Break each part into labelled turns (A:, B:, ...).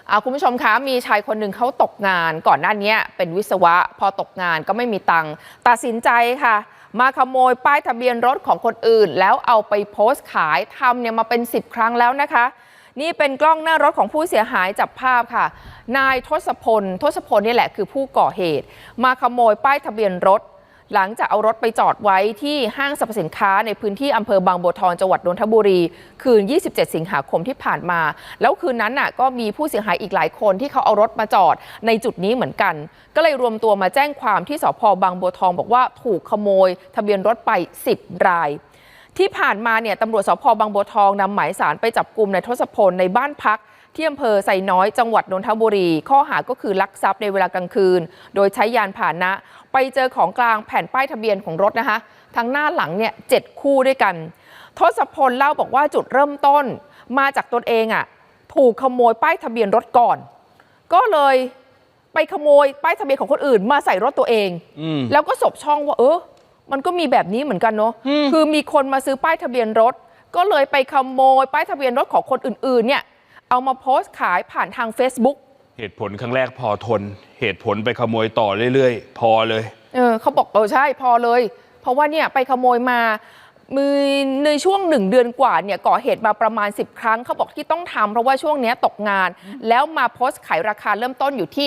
A: คุณผู้ชมคะมีชายคนหนึ่งเขาตกงานก่อนหน้านี้เป็นวิศวะพอตกงานก็ไม่มีตังค์ตัดสินใจค่ะมาขโมยป้ายทะเบียนรถของคนอื่นแล้วเอาไปโพสต์ขายทำเนี่ยมาเป็น10ครั้งแล้วนะคะนี่เป็นกล้องหน้ารถของผู้เสียหายจับภาพค่ะนายทศพลนี่แหละคือผู้ก่อเหตุมาขโมยป้ายทะเบียนรถหลังจากเอารถไปจอดไว้ที่ห้างสรรพสินค้าในพื้นที่อำเภอบางบัวทองจังหวัดนนทบุรีคืน27สิงหาคมที่ผ่านมาแล้วคืนนั้นน่ะก็มีผู้เสียหายอีกหลายคนที่เขาเอารถมาจอดในจุดนี้เหมือนกันก็เลยรวมตัวมาแจ้งความที่สภ.บางบัวทองบอกว่าถูกขโมยทะเบียนรถไป10รายที่ผ่านมาเนี่ยตำรวจสภ.บางบัวทองนำหมายสารไปจับกุมนายทศพลในบ้านพักที่อำเภอไซน้อยจังหวัดนนทบุรีข้อหาก็คือลักทรัพย์ในเวลากลางคืนโดยใช้ยานพาหนะไปเจอของกลางแผ่นป้ายทะเบียนของรถนะคะทั้งหน้าหลังเนี่ย7คู่ด้วยกันทศพลเล่าบอกว่าจุดเริ่มต้นมาจากตนเองถูกขโมยป้ายทะเบียนรถก่อนก็เลยไปขโมยป้ายทะเบียนของคนอื่นมาใส่รถตัวเองแล้วก็สบช่องว่ามันก็มีแบบนี้เหมือนกันเนาะคือมีคนมาซื้อป้ายทะเบียนรถก็เลยไปขโมยป้ายทะเบียนรถของคนอื่นๆเนี่ยเอามาโพสต์ขายผ่านทาง Facebook
B: เหตุผลครั้งแรกพอทนเหตุผลไปขโมยต่อเรื่อยๆพอเลย
A: เขาบอกใช่พอเลยเพราะว่าเนี่ยไปขโมยมาในช่วง1เดือนกว่าเนี่ยก่อเหตุมาประมาณ10ครั้งเขาบอกที่ต้องทำเพราะว่าช่วงนี้ตกงานแล้วมาโพสต์ขายราคาเริ่มต้นอยู่ที่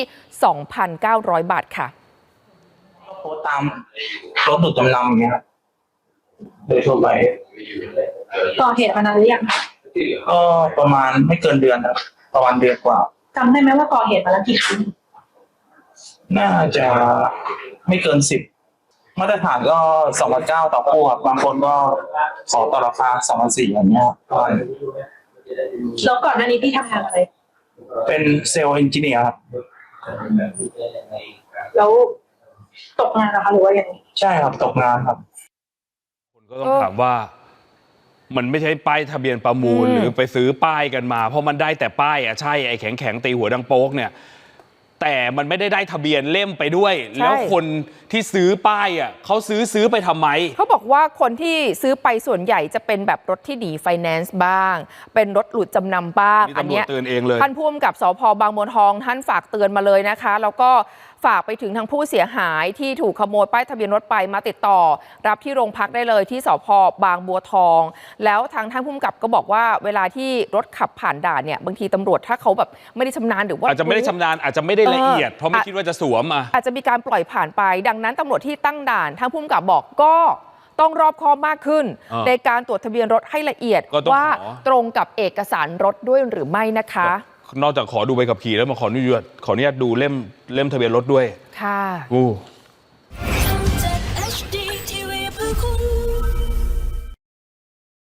A: 2,900 บาทค่ะ
C: โพสต์ตามรถดูดจำนำอย่างเงี้ยครับโดยทั่วไป
D: ก่อเหตุมานานหรือยังคะ
C: ก็ประมาณไม่เกินเดือนครับประมาณเดือนกว่า
D: จำได้ไหมว่าก่อเหตุมาแล้วกี่ครั้ง
C: น่าจะไม่เกิน10มาตรฐานก็2,900ต่อคู่ครับบางคนก็ขอต่อราคา2,400อย่างเงี้ย
D: แล้วก่อนหน้านี้พี่ทำงานอะไร
C: เป็นเซลล์เอนจิเนียร์ครับ
D: แล้วตกงานนะคะหรือว่ายังไง
C: ใช่ครับตกงานครับ
B: คนก็ต้องถามว่ามันไม่ใช่ป้ายทะเบียนประมูลหรือไปซื้อป้ายกันมาเพราะมันได้แต่ป้ายใช่ไอ้แข็งตีหัวดังโป๊กเนี่ยแต่มันไม่ได้ทะเบียนเล่มไปด้วยแล้วคนที่ซื้อป้ายเขาซื้อไปทำไม
A: เขาบอกว่าคนที่ซื้อไปส่วนใหญ่จะเป็นแบบรถที่หนีไฟแนนซ์บ้างเป็นรถหลุดจำนำบ้าง
B: อันนี้เตือนเองเลย
A: ท่านผู้กำกับสภ.บางบัวทองท่านฝากเตือนมาเลยนะคะแล้วก็ฝากไปถึงทางผู้เสียหายที่ถูกขโมยป้ายทะเบียนรถไปมาติดต่อรับที่โรงพักได้เลยที่สภ.บางบัวทองแล้วทางท่านผู้กำกับก็บอกว่าเวลาที่รถขับผ่านด่านเนี่ยบางทีตำรวจถ้าเขาแบบไม่ได้ชำนาญหรือว่า
B: อาจจะไม่ได้ชำนาญอาจจะไม่ได้ละเอียดเพราะไม่คิดว่าจะสวม
A: อาจจะมีการปล่อยผ่านไปดังนั้นตำรวจที่ตั้งด่านทางผู้กำกับบอกก็ต้องรอบคอบมากขึ้นในการตรวจทะเบียนรถให้ละเอียดว่าตรงกับเอกสารรถด้วยหรือไม่นะคะ
B: นอกจากขอดูใบขับขี่แล้วมาขออนุญาตดูเล่มทะเบียนรถด้วย
A: ค่ะ